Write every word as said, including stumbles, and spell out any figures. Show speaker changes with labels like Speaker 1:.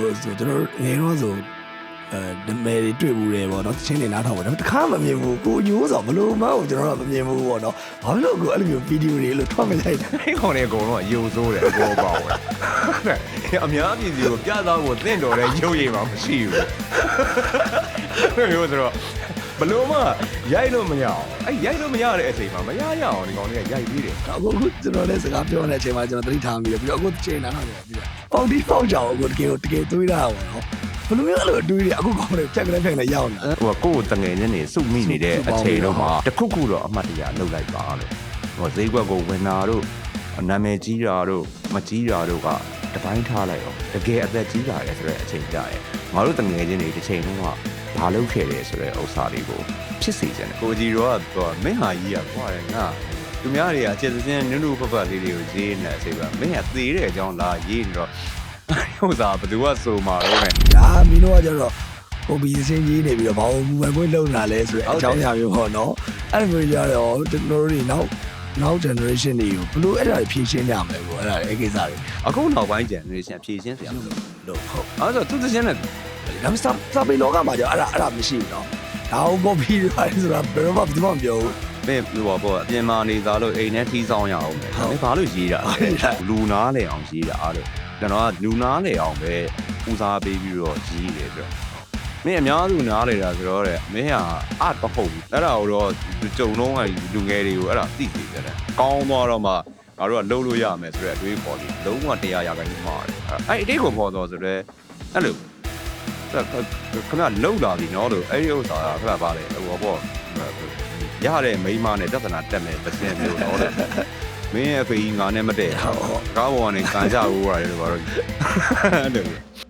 Speaker 1: ဆိုကျွန်တော်ငယ်တော့ဆိုအဲဒမဲတွေတွေ့ဘူးတယ်ပေါ့နော်ချင်းနေနားထောင်ပေါ့ဒါပေမဲ့တစ်ခါမှမမြင်ဘူးကိုယူဆိုဘလို့မှကျွန်တော်ကမမြင်ဘူးပေါ့နော်ဘာလို့ကိုအဲ့လိုမျိုးဗီဒီယိုတွေလို့ထွက်မလိုက်တာ
Speaker 2: အဲ့ကောင်တွေအကုန်လုံးကယုံစိုးတယ်အပေါ်ပေါက်တယ်အများပြည်သူကိုပြသဖို့တင့်တော်တဲ့ရုပ်ရည်မှမရှိဘူးအဲ့မျိုးဆိုတော့ဘလို့မှရိုက်လို့မရအောင်အဲ့ရိုက်လို့မရတဲ့အချိန်မှာမရရအောင်ဒီကောင်တွေကရိုက်ပြီးတယ်
Speaker 1: အခုအခုကျွန်တော်လည်းစကားပြောနေတဲ့အချိန်မှာကျွန်တော်သတိထားမိတယ်ပြီးတော့အခုချိန်နားထောင်နေပြီးတော့ပေါက်တီပေါက်ကြအောင်အခုတကယ်တကယ်တွေးတာပေါ့နော်ဘယ်လိုမျိုးအဲ့လိုတွေးရအခုကောင်းတယ်ဖြတ်ကလေးဖြတ်ကလေးရောက်လာ
Speaker 2: ဟိုကကိုယ်တငယ်ချင်းနေစုမိနေတဲ့အချိန်တော့မှတခုခုတော့အမှတ်တရလှုပ်လိုက်ပါလို့ဟိုဈေးကွက်ကိုဝင်တာတို့နာမည်ကြီးတာတို့မကြီးတာတို့ကတပိုင်းထားလိုက်အောင်တကယ်အသက်ကြီးလာတယ်ဆိုတဲ့အချိန်ကြရဲငါတို့တငယ်ချင်းတွေတစ်ချိန်လုံးကဘာလုပ်ခဲ့လဲဆိုတဲ့ဥစ္စာတွေကိုဖြစ်စေချင်တယ်ကိုကြီးတော့ကမင်းဟာကြီးကကွာတယ်ငါသူများတွေကအခြေစင်းနုနုဖဖလေးတွေကိုရေးနေတဲ့အချိန်မှာမင်းကသေတဲ့အကြောင်းလာရေးနေတော့ဥစ္စာဘယ်သူကဆိုမှာတော့လဲ
Speaker 1: ဒါမင်းတို့ကကျတော့ကိုဘီစင်းကြီးနေပြီးတော့ဘာလို့မူဝဲခွင့်လုံလာလဲဆိုတဲ့အကြောင်းအရာမျိုးပေါ့နော်အဲ့လိုမျိုးကြတော့ကျွန်တော်တို့တွေနောက်နောက် generation တွေကိုဘလို့အဲ့ဒါတွေဖြည့်ရှင်းကြမလဲပေါ့အဲ့ဒါတွေအဲ့ကိစ္စတွေ
Speaker 2: အခုနောက်ပိုင်း generation ဖြည့်ရှင်းစရာမလို
Speaker 1: လို့ဟုတ်
Speaker 2: အဲ့တော့သူတစ်ချင်းနဲ့
Speaker 1: ဒါပေမဲ့စာပေလောကမှာကျတော့အဲ့ဒါအဲ့ဒါမရှိဘူးနော်ဒါကိုကော်ပီတွေပါတယ်ဆိုတာဘယ်တော့မှဘယ်သူမှမပြောဘူး
Speaker 2: မင်းဟိုပါပေါ့အပြင်မှာနေသားလို့အိမ်နဲ့ထီးဆောင်ရအောင်ပဲမင်းဘာလို့ရေးတာလဲလူနာလေအောင်ရေးတာလို့ကျွန်တော်ကလူနာလေအောင်ပဲဦးစားပေးပြီးတော့ရေးတယ်ဆိုတော့မင်းအများစုနားလေတာဆိုတော့တဲ့မင်းဟာအတ်မဟုတ်ဘူးအဲ့ဒါကိုတော့ကြုံလုံးကလူငယ်တွေကိုအဲ့ဒါသိသိတယ်ကောင်းသွားတော့မှငါတို့ကလှုပ်လို့ရမယ်ဆိုတဲ့အတွေးပေါ်ပြီးလုံးဝတရားရခိုင်မှာတယ်အဲ့အတိတ်ကိုပေါ်တော့ဆိုတော့အဲ့လိုခဏလှုပ်လာပြီနော်လို့အဲ့ဒီဥစ္စာကခဏပါလေဟိုပေါ့ရတဲ့မိန်းမနဲ့ပြဿနာတက်မယ်ပစင်မျိုးတော့တဲ့မင်းရဲ့ဖေကြီးငါနဲ့မတည့်ကားပေါ်ကနေကန်ကြဦးရတယ်လို့ပြောတော့အဲ့လို